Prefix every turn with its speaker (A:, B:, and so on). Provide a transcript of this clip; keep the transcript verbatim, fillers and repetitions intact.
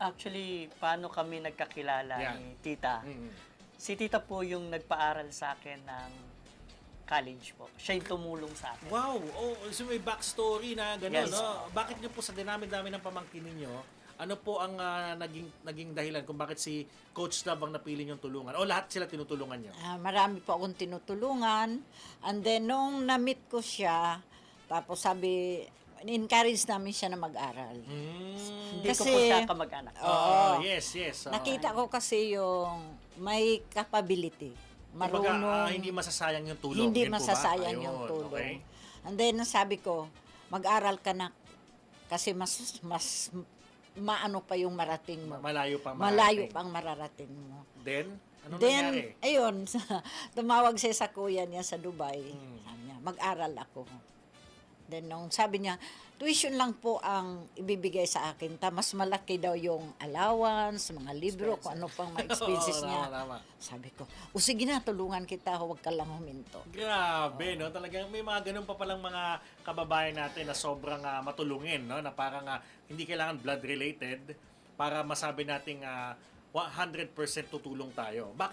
A: Actually, paano kami nagkakilala
B: Yan.
A: ni tita?
B: Mm.
A: Si tita po yung nagpaaral sa akin ng college po. Siya yung tumulong sa akin.
B: Wow! Oh, so may backstory na gano'n,
A: Yes.
B: no? Bakit niyo po sa dinami-dami ng pamangkin ninyo, ano po ang ah, naging naging dahilan kung bakit si Coach Love ang napili niyong tulungan? O lahat sila tinutulungan niyo?
C: Ah, marami po akong tinutulungan. And then, nung na-meet ko siya, tapos sabi, encourage namin siya na mag-aral.
B: Mm.
A: Hindi ko
C: Kasi-
A: po siya kamag-anak.
C: Oo.
B: Oh, yes, yes. oo.
C: Nakita ko kasi yung may capability.
B: Kumbaga,
C: Marunong.
B: ah, hindi masasayang yung tulong.
C: Hindi
B: Yun po ba?
C: masasayang
B: Ayun,
C: yung tulong.
B: okay.
C: And then, sabi ko, mag-aral ka na. Kasi mas, mas maano pa yung marating mo.
B: Ma- Malayo pa
C: Malayo
B: marating.
C: pang mararating mo.
B: Then, ano
C: Then,
B: nangyari?
C: ayun, tumawag siya sa kuya niya sa Dubai.
B: Hmm.
C: Sabi niya, mag-aral ako. Then, nung sabi niya, tuition lang po ang ibibigay sa akin. Ta, mas malaki daw yung allowance, mga libro, kung ano pang mga expenses
B: Oo,
C: niya.
B: tama, tama.
C: Sabi ko, o sige na, tulungan kita, huwag ka lang huminto.
B: Grabe, no? Talagang may mga ganun pa palang mga kababayan natin na sobrang ah, matulungin, no? Na parang ah, hindi kailangan blood related para masabi nating ah, one hundred percent tutulong tayo. Bakit